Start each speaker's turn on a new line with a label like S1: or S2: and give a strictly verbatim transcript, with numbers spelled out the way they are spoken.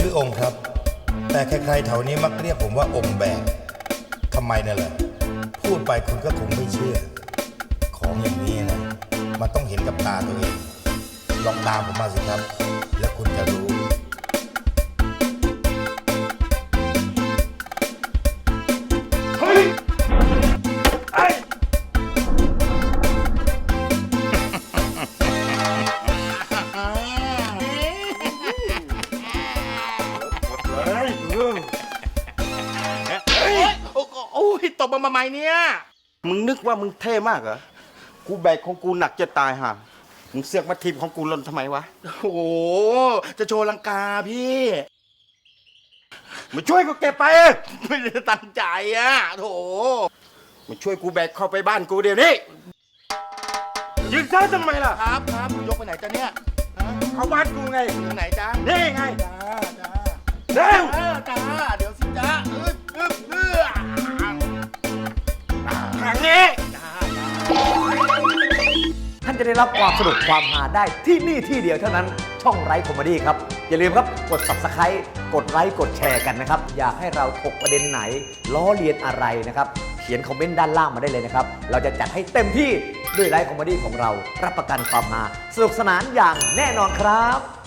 S1: ชื่อองค์ครับแต่ใครๆแถวนี้มักเรียกผมว่าองค์แบกทำไมเนี่ยเหรอพูดไปคุณก็คงไม่เชื่อของอย่างนี้นะมันต้องเห็นกับตาตัวเองลองตามผมมาสิครับแล้วคุณจะรู้เฮ้ยไอ้
S2: โอ้ยตบมาใหม่เนี่ย
S3: มึงนึกว่ามึงเท่มากเหรอกูแบกของกูหนักจะตายห่ามึงเสือกมาทีมของกูหล่นทำไมวะ
S2: โอ้โหจะโชว์ลังกาพี่
S3: มาช่วยกูเก็บไป
S2: ไม่ได้ตั้งใจอ่ะโถ
S3: มาช่วยกูแบกเข้าไปบ้านกูเดี๋ยวนี้ยืนซ้ายทำไมล่ะ
S2: ครับครับยกไปไหนจ้ะเนี่ยฮะ
S3: เข้าบ้านกูไง
S2: ทางไหนจ้า
S3: นี่ไง
S2: จ้าจ้า
S3: เร็ว
S2: เออจ้าเดี๋ยวสิจ้าอึ๊บอึ๊บเอื้อ
S3: ทางนี้
S2: จ้า
S4: ท่านจะได้รับความสนุกความฮาได้ที่นี่ที่เดียวเท่านั้นช่องไร้คอมเมดี้ครับ อย่าลืมครับกด ซับสไครบ์ กดไลค์กดแชร์กันนะครับ อยากให้เราถกประเด็นไหน ล้อเลียนอะไรนะครับ เขียนคอมเมนต์ด้านล่างมาได้เลยนะครับ เราจะจัดให้เต็มที่ด้วยไร้คอมเมดี้ของเรารับประกันความฮาสนุกสนานอย่างแน่นอนครับ